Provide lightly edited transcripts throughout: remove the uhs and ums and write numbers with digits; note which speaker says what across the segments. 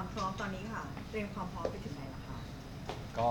Speaker 1: ความพร้อมตอนนี้ค่ะเตรียมความพร้อมไปถึงไหนแล้วคะ
Speaker 2: ก็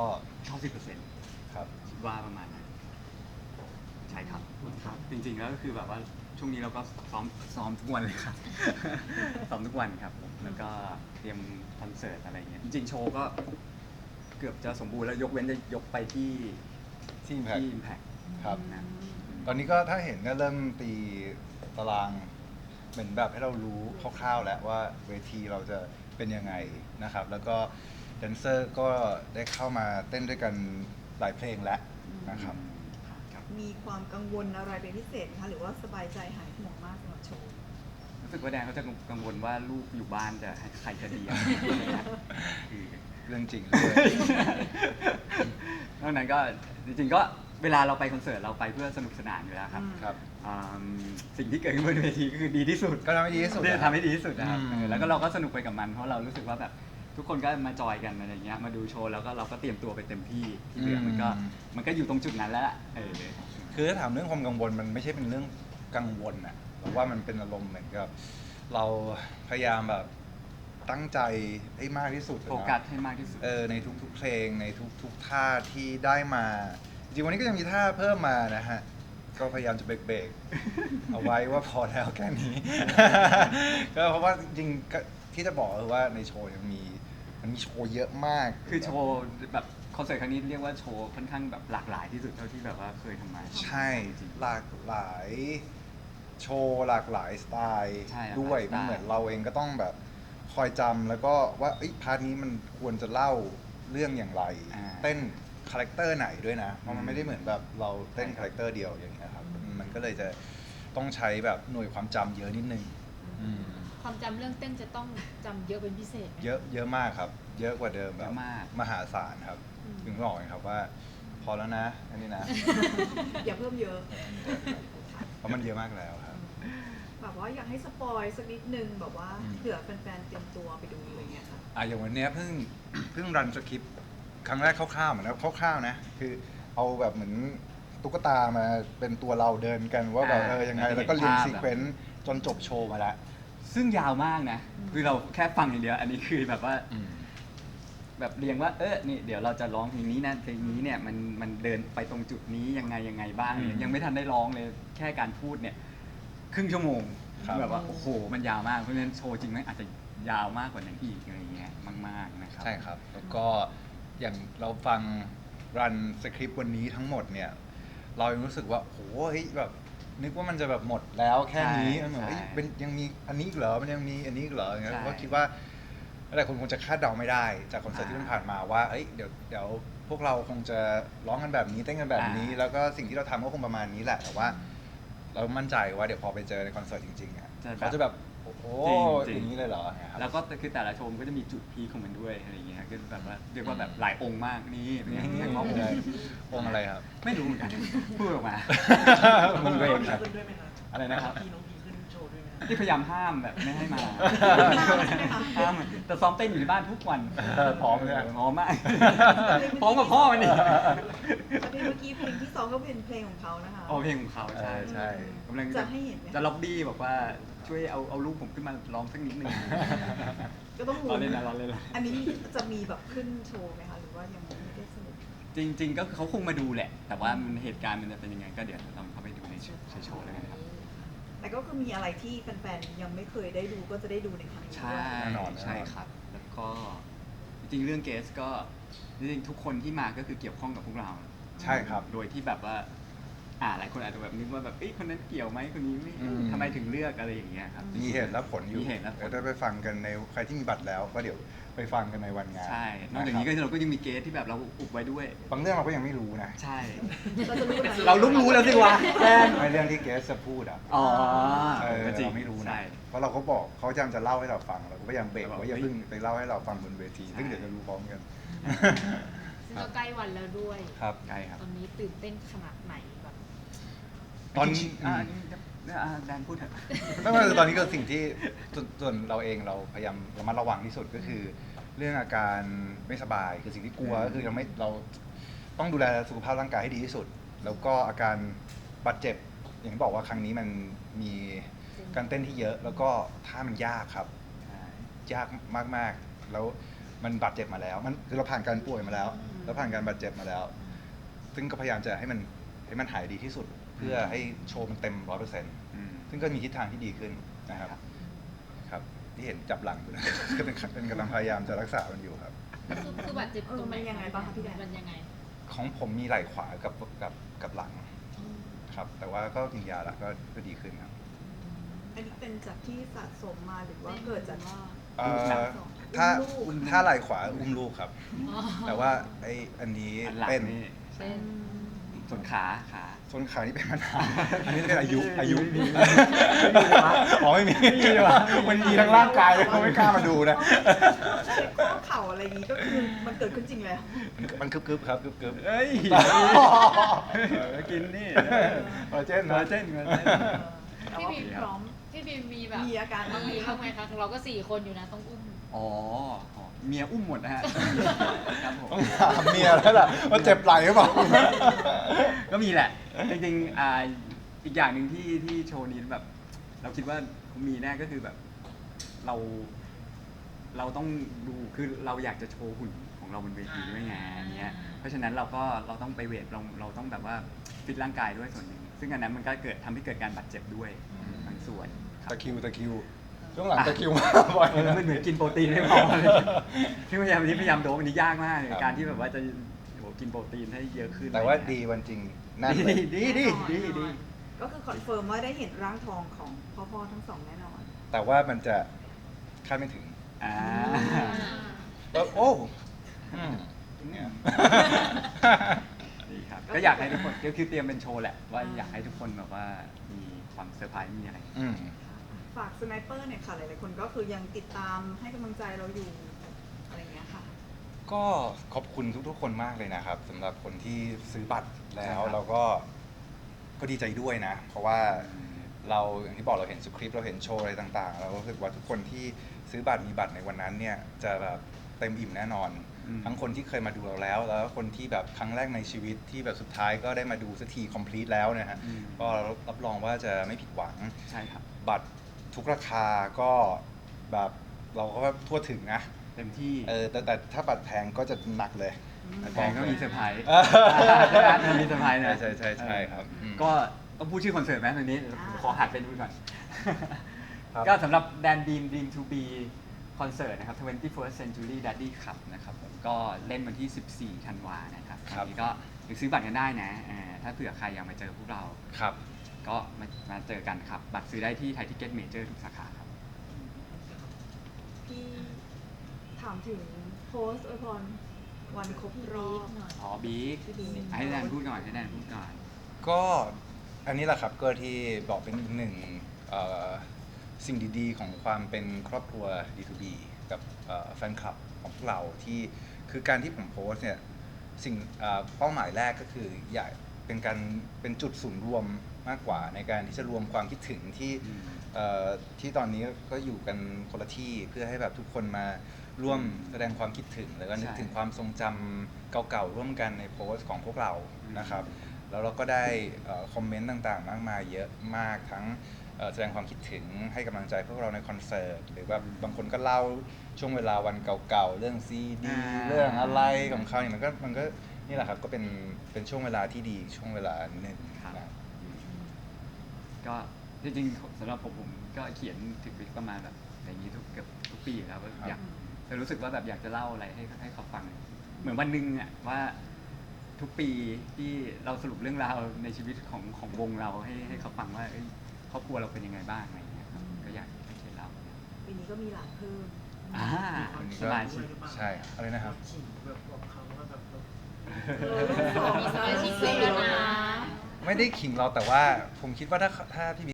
Speaker 3: 90%
Speaker 2: ครับ
Speaker 3: คิดว่าประมาณนั้นใช่ครับครับจริงๆแล้วก็คือแบบว่าช่วงนี้เราก็ซ้อมทุกวันเลยครับ ซ้อมทุกวันครับผมแล้วก็เตรียมคอนเสิร์ตอะไรเงี้ยจริงๆโชว์ก็เกือบจะสมบูรณ์แล้วยกเว้นจะยกไปที่
Speaker 2: ที่ Impact
Speaker 3: Impact
Speaker 2: ครับ
Speaker 3: นะ
Speaker 2: ตอนนี้ก็ถ้าเห็นก็เริ่มตีตารางเหมือนแบบให้เรารู้คร่าวๆแล้วว่าเวทีเราจะเป็นยังไงนะครับ แล้วก็แดนเซอร์ก็ได้เข้ามาเต้นด้วยกันหลายเพลงแล้วนะครับ
Speaker 3: ครับ
Speaker 1: มีความกังวลอะไรเป็นพิเศษไหมคะหรือว่าสบายใจหายห่วงมากสำหรับโชว์
Speaker 3: รู้สึกว่าแดนเขาจะกังวลว่าลูกอยู่บ้านจะให้ใครจะเลี้ยงคือ
Speaker 2: เรื่องจริงเลย
Speaker 3: นอกนั้นก็จริงๆก็เวลาเราไปคอนเสิร์ตเราไปเพื่อสนุกสนานอยู่แล้วครับ
Speaker 2: ครับ
Speaker 3: อืมสิ่งที่เกิดขึ้นบนเวทีก็คือดีที่สุด
Speaker 2: ก็ทำให้ดีที่สุด
Speaker 3: ทำให้ดีที่สุดนะครับ แล้วก็เราก็สนุกไปกับมันเพราะเรารู้สึกว่าแบบทุกคนก็มาจอยกันอะไรเงี้ยมาดูโชว์แล้วก็เราก็เตรียมตัวไปเต็มที่ที่เหลือมันก็อยู่ตรงจุดนั้นแล้วล่ะ
Speaker 2: คือถ้าถามเรื่องความกังวลมันไม่ใช่เป็นเรื่องกังวลอะแต่ว่ามันเป็นอารมณ์เหมือนกับเราพยายามแบบตั้งใจให้มากที่สุดอะ
Speaker 3: โฟ
Speaker 2: นะ
Speaker 3: กัสให้มากที่สุด
Speaker 2: ในทุกๆเพลงในทุกท่าที่ได้มา จริงๆวันนี้ก็ยังมีท่าเพิ่มมานะฮะ ก็พยายามจะเบรกๆ เอาไว้ว่าพอแล้วแค่นี้ ก็เพราะว่าจริงๆก็ที่จะบอกคือว่าในโชว์มันมีโชว์เยอะมาก
Speaker 3: คือโชว์แบบคอนเสิร์ตครั้งนี้เรียกว่าโชว์ค่อนข้างแบบหลากหลายที่สุดเท่าที่แบบว่าเคยทำมา
Speaker 2: ใช่
Speaker 3: จริงๆ
Speaker 2: หลากหลายโชว์หลากหลายสไตล์
Speaker 3: ใช่
Speaker 2: ด้วย
Speaker 3: หลากหลายสไตล์
Speaker 2: มันเหมือนเราเองก็ต้องแบบคอยจำแล้วก็ว่าพาร์ทนี้มันควรจะเล่าเรื่องอย่างไร เต้นคาแรคเตอร์ไหนด้วยนะ เพราะมันไม่ได้เหมือนแบบเราเต้นคาแรคเตอร์เดียวอย่างเงี้ยครับมันก็เลยจะต้องใช้แบบหน่วยความจำเยอะนิดนึงอืม
Speaker 4: ความจำเรื่องเต้นจะต้องจำเยอะเป็นพิเศษไหม
Speaker 2: เยอะมากครับ เยอะกว่าเดิมแบบมหาศาลครับ
Speaker 4: อืม
Speaker 2: ถึงบอกไงครับว่า พอแล้วนะอันนี้นะ
Speaker 1: อย่าเพิ่มเยอะ
Speaker 2: เพราะมันเยอะมากแล้วครับ
Speaker 1: แบบว่าอยากให้สปอยสักนิดนึงแบบว่า
Speaker 2: อืม
Speaker 1: เผื่อแฟนๆเตรียมตัวไปดูอะไรเงี้ยค่ะ
Speaker 2: อย่างวันเนี้ยเพิ่ง รันสคริปต์ครั้งแรกคร่าวๆเหมือนนะคร่าวๆนะคือเอาแบบเหมือนตุ๊กตามาเป็นตัวเราเดินกันว่าแบบยังไงแล้วก็เรียนซีเควนซ์จนจบโชว์มาแล้ว
Speaker 3: ซึ่งยาวมากนะคือเราแค่ฟังอย่างเดียวอันนี้คือแบบว่าแบบเรียงว่านี่เดี๋ยวเราจะร้องเพลงนี้นะเพลงนี้เนี่ยมันเดินไปตรงจุดนี้ยังไงบ้าง
Speaker 2: อืม
Speaker 3: ยังไม่ทันได้ร้องเลยแค่การพูดเนี่ยครึ่งชั่วโมง
Speaker 2: ครับ
Speaker 3: แบบว่าโอ้โหมันยาวมากเพราะฉะนั้นโชว์จริงไหมอาจจะยาวมากกว่านั้นอีกอะไรเงี้ยมากๆนะครับ
Speaker 2: ใช่ครับ แล้วก็อย่างเราฟังรันสคริปต์วันนี้ทั้งหมดเนี่ย เรายังรู้สึกว่าโหเฮ้ยแบบนึกว่ามันจะแบบหมดแล้วแค่นี้
Speaker 3: ใช่
Speaker 2: มันเหมือน
Speaker 3: ใช่
Speaker 2: เฮ้ยเป็นยังมีอันนี้อีกเหรอมันยังมีอันนี้อีกเหรออย่างเงี้ย
Speaker 3: ใช่
Speaker 2: ก็คิดว่าหลายคนคงจะคาดเดาไม่ได้จากคอนเสิร์ตที่มันผ่านมาว่าเอ้ยเดี๋ยวพวกเราคงจะร้องกันแบบนี้เต้นกันแบบนี้ แล้วก็สิ่งที่เราทำก็คงประมาณนี้แหละแต่ว่า เรามั่นใจว่าเดี๋ยวพอไปเจอในคอนเสิร์ตจริงๆอ่ะเขาจะแบบโอ้โห
Speaker 3: จริงๆ
Speaker 2: อย่างนี้เลยเหรอเนี่ยครับ
Speaker 3: แล้วก็คือแต่ละโชว์มันก็จะมีจุดพีคของมันด้วยอะไรเงี้ยก็แบบว่าเรียกว่าแบบหลายองค์มากนี่เรียกว่าองค์
Speaker 2: องค์อะไรครับ
Speaker 3: ไม่รู้เหมือนกันพูดออกมามึงตัวเองครับ
Speaker 5: ขึ้นด้วยไหมครับ
Speaker 3: อะไรนะครับ
Speaker 5: พี่น้องพีขึ้นโชว์ด้วยไหมครับ
Speaker 3: ที่พยายามห้ามแบบไม่ให้มา
Speaker 1: ใช่ไหมคะ
Speaker 3: ห้ามแต่ซ้อมเต้นอยู่ที่บ้านทุกวัน
Speaker 2: พร้อมเลยอะ
Speaker 3: พร้อมมากพร้อมกับพ่อมันอีก
Speaker 1: เพลงเมื่อกี้เพลงที่สองก็เป็นเพลงของเขานะคะ
Speaker 3: โอเพลงของเขาใช่
Speaker 2: ใช่
Speaker 3: กำลัง
Speaker 1: จะให้เห็นไหม
Speaker 3: จะล็อบบี้บอกว่าช่วยเอาลูกผมขึ้นมาร้องสักนิดหนึ่ง
Speaker 1: ก็ต้อง
Speaker 3: รอ
Speaker 1: รู้
Speaker 3: เล่นนะรอเล่นนะ
Speaker 1: อันนี้จะมีแบบขึ้นโชว์ไหมคะหรือว่ายังไม่ได้สรุป
Speaker 3: จริง ๆ ก็คือเขาคงมาดูแหละ แต่ว่ามันเหตุการณ์มันจะเป็นยังไงก็เดี๋ยวลองเข้าไปดูในโชว์แล้วกันครับ
Speaker 1: แต่ก็คือมีอะไรที่แฟนๆยังไม่เคยได้ดูก็จะได้ดูในครั้งนี้
Speaker 3: ใช่
Speaker 1: ด้วย
Speaker 2: แน่นอน
Speaker 3: ใช่ครับ แล้วก็จริงๆเรื่องเกสก็จริงๆทุกคนที่มาก็คือเกี่ยวข้องกับพวกเรา
Speaker 2: ใช่ครับ
Speaker 3: โดยที่แบบว่าหลายคนอาจจะแบบนึกว่าแบบคนนั้นเกี่ยวไหมคนนี้ไม่
Speaker 2: อืม
Speaker 3: ทำไมถึงเลือกอะไรอย่างเงี้ยครับ
Speaker 2: มีเหตุและผลอยู่
Speaker 3: มีเหตุและผล
Speaker 2: เดี๋ยวได้ไปฟังกันในใครที่มีบัตรแล้วก็เดี๋ยวไปฟังกันในวันงาน
Speaker 3: ใช่ นอกจากนี้ก็เราก็ยังมีเกสที่แบบเราอุบไว้ด้วย
Speaker 2: บางเรื่องเราก็ยังไม่รู้นะ
Speaker 3: ใช่
Speaker 1: เราจะรู้ไหม
Speaker 3: เรารู้แล้วสิวะแฟน
Speaker 2: ในเรื่องที่เกสจะพูดอ่ะ
Speaker 3: อ๋อ
Speaker 2: จริงไม่รู้นะ
Speaker 3: ใช่
Speaker 2: เพราะเราก็บอกเขาพยายามจะเล่าให้เราฟังเราก็พยายามเบรก
Speaker 3: เราบอก
Speaker 2: ว่าอย่าเพิ่งไปเล่าให้เราฟังบนเวที
Speaker 3: ใช่
Speaker 2: ซึ่งเดี๋ยวจะรู้พร้อมกัน
Speaker 4: ซึ่งก็ใกล้วันแล้วด้วย
Speaker 2: ครับ
Speaker 3: ใช่ครับ
Speaker 4: ตอนนี้ตื่นเต้นขนาดไหนแบบ
Speaker 2: ตอน
Speaker 3: จริงๆอันนี้แดนพูดเถอะ
Speaker 2: ไม่ว่าตอนนี้ก็สิ่งที่ส่วนเราเองเราพยายามระมัดระวังที่สุดก็คือ เรื่องอาการไม่สบายคือสิ่งที่กลัวก็คือเราต้องดูแลสุขภาพร่างกายให้ดีที่สุด แล้วก็อาการบาดเจ็บอย่างที่บอกว่าครั้งนี้มันมีการเต้นที่เยอะ แล้วก็ท่ามันยากครับ ยากมากๆแล้วมันบาดเจ็บมาแล้วมันคือเราผ่านการป่วยมาแล้ว แล้วผ่านการบาดเจ็บมาแล้ว ซึ่งก็พยายามจะให้มันหายดีที่สุด เพื่อให้โชว์มันเต็ม 100%ซึ่งก็มีทิศทางที่ดีขึ้นนะครับครับที่เห็นจับหลังอยู่นะ ก็เป็นกำลังพยายามจะรักษามันอยู่ครับ
Speaker 4: คือบาดเจ็บตรงไหน
Speaker 1: มันยังไงบ้างคะพี่แดน
Speaker 4: มันยังไง
Speaker 2: ของผมมีไหล่ขวากับหลังครับ แต่ว่าก็กินยาแล้วก็ดีขึ้นครับ
Speaker 1: อันนี้เป็นจากที่สะสมมาหรือว่าเกิดจากว่า
Speaker 2: เอ่อถ้าไหล่ขวาอุ้มลูกครับ
Speaker 4: อ๋อ
Speaker 2: แต่ว่าอันนี้
Speaker 3: อันหลัง
Speaker 2: เป็น
Speaker 3: นี่
Speaker 4: เป็น
Speaker 3: ส่วนขา
Speaker 2: ส้นขานี่เป็นมานานอันนี้เป็นอายุ
Speaker 3: ไม่มี
Speaker 2: อ๋อไม่มีมันมีทั้งร่างกายเขาไม่กล้ามาดูนะ
Speaker 1: ข้อเข่าอะไรอย่างนี้ก็คือมันเกิดขึ้นจริงแล้ว
Speaker 2: มันกึบๆครับกึบๆ
Speaker 3: เอ้ยกินนี่
Speaker 2: คอลลาเจน
Speaker 3: คอล
Speaker 2: นะ
Speaker 3: ลาเจน
Speaker 4: พี่บีพร้อมพี่บีมีแบบ
Speaker 1: มีอาการบ้างไหม
Speaker 4: มีบ้างไหมคะเราก็4 คนอยู่นะต้องอุ้ม
Speaker 3: อ๋อเมียอุ้มหมดนะฮะครับผม
Speaker 2: ต้องถามเมียแล้วล่ะว่าเจ็บไหล่หรือเปล่า
Speaker 3: ก็มีแหละ จริงๆอีกอย่างหนึ่งที่โชว์นี้แบบ เราคิดว่ามีแน่ก็คือแบบ เราต้องดูคือเราอยากจะโชว์หุ่นของเราบนเวทีด้วยไงอันเนี้ยเพราะฉะนั้นเราต้องไปเวทเราต้องแบบว่าฟิตร่างกายด้วยส่วนหนึ่งซึ่งอันนั้นมันก็ทำให้เกิดการบาดเจ็บด้วยบางส่วนครับ
Speaker 2: ตะคริวช่วงหลังตะคริวมาบ่อย
Speaker 3: มันเหมือนกินโปรตีนไม่พอเลยที่พยายามโดบอันนี้ยากมากเลย
Speaker 2: ครับ
Speaker 3: การที่แบบว่าจะกินโปรตีนให้เยอะขึ้น
Speaker 2: แต่ว่าดีวันจริงนั่นเลย
Speaker 3: ดี
Speaker 1: ก็คือคอนเฟิร์มว่าได้เห็นร่างทองของพ่อทั้งสองแน่นอน
Speaker 2: แต่ว่ามันจะคาดไม่ถึง
Speaker 3: อ่า
Speaker 2: แล้วโอ้เนี่ย
Speaker 3: ดีครับก็อยากให้ทุกคนก็คือเตรียมเป็นโชว์แหละว่าอยากให้ทุกคนแบบว่ามีความเซอร์ไพรส์มีอะไร
Speaker 1: ฝากสไนเปอร์เนี่ยค่ะหลายๆคนก็คือยังติดตามให้กำลังใจเราอยู่อะไรอย่างเงี้ยค่ะ
Speaker 2: ก็ขอบคุณทุกๆคนมากเลยนะครับสำหรับคนที่ซื้อบัตรแล้ว
Speaker 3: ใช่ครับ
Speaker 2: เราก็ดีใจด้วยนะ เพราะว่าเราอย่างที่บอกเราเห็นสคริปต์เราเห็นโชว์อะไรต่างๆเรารู้สึกว่าทุกคนที่ซื้อบัตรมีบัตรในวันนั้นเนี่ยจะแบบเต็มอิ่มแน่นอน ทั้งคนที่เคยมาดูเราแล้วคนที่แบบครั้งแรกในชีวิตที่แบบสุดท้ายก็ได้มาดูสักที complete แล้วนะฮะก็รับรองว่าจะไม่ผิดหวัง
Speaker 3: ใช่ครับ
Speaker 2: บัตรทุกราคาก็แบบเราก็ทั่วถึงนะ
Speaker 3: เต็มที่
Speaker 2: แต่ถ้าบัตรแพงก็จะหนักเลย
Speaker 3: แพงก็มีเซอร์ไพรส์
Speaker 2: อ่า
Speaker 3: มีเซอร์ไพรส์นะ
Speaker 2: ใช่ครับอืม
Speaker 3: ก็ต้องพูดชื่อคอนเสิร์ตไหมตอนนี้ ขอหัดไปดูก่อน
Speaker 2: ครับ
Speaker 3: ก็สำหรับ Dan Dream to Be คอนเสิร์ตนะครับ 21st Century Daddy Club นะครับผมก็เล่นวันที่ 14 ธันวานะครับ
Speaker 2: ครับ
Speaker 3: อันนี้ก็ยังซื้อบัตรกันได้นะถ้าเผื่อใครอยากมาเจอพวกเรา
Speaker 2: ครับ
Speaker 3: ก็มาเจอกันครับ บัตรซื้อได้ที่ไทยทิเก็ตเมเจอร์ทุกสาขาครับ
Speaker 1: พี่ถามถึงโพสต์อวยพรวันครบรอบ
Speaker 3: อ๋อบิ๊ก
Speaker 1: พี่บิ๊ก
Speaker 3: ให้แดนพูดก่อนให้แดนพูดก่อน
Speaker 2: ก็อันนี้แหละครับก็ที่บอกเป็นอีกหนึ่งสิ่งดีๆของความเป็นครอบครัว D2B กับแฟนคลับของพวกเราที่คือการที่ผมโพสต์เนี่ยสิ่งเป้าหมายแรกก็คืออยากเป็นจุดศูนย์รวมมากกว่าในการที่จะรวมความคิดถึงที่ตอนนี้ก็อยู่กันคนละที่เพื่อให้แบบทุกคนมาร่วมแสดงความคิดถึงแล้วก็นึกถึงความทรงจำเก่าๆร่วมกันในโพสต์ของพวกเรานะครับ แล้วเราก็ได้คอมเมนต์ต่างๆมากมายเยอะมากทั้งแสดงความคิดถึงให้กำลังใจพวกเราในคอนเสิร์ตหรือว่าบางคนก็เล่าช่วงเวลาวันเก่าๆเรื่องซีดีเรื่องอะไรของเขาเนี่ยมันก็นี่แหละครับก็เป็นช่วงเวลาที่ดีช่วงเวลาหนึ่งนะ
Speaker 3: ก็จริงๆสำหรับผมก็เขียนถึงประมาณแบบอย่างนี้เกือบทุกปีแล้วอยากจะรู้สึกว่าแบบอยากจะเล่าอะไรให้เขาฟัง เหมือนวันหนึ่งอ่ะว่าทุกปีที่เราสรุปเรื่องราวในชีวิตของวงเราให้เขาฟังว่าครอบครัวเราเป็นยังไงบ้างอะไรอย่างเงี้ยครับก็อยากเขียนเล่า
Speaker 1: ปีนี้ก็มีหลานเพิ่ม
Speaker 3: สบายชิ
Speaker 2: ใช่อะไรนะครับ
Speaker 5: ขิงแบบบอกเขาว่าแบบ
Speaker 4: มีสมาชิกเพิ่มแล้วนะ
Speaker 2: ไม่ได้ขิงเราแต่ว่าผมคิดว่าถ้าพี่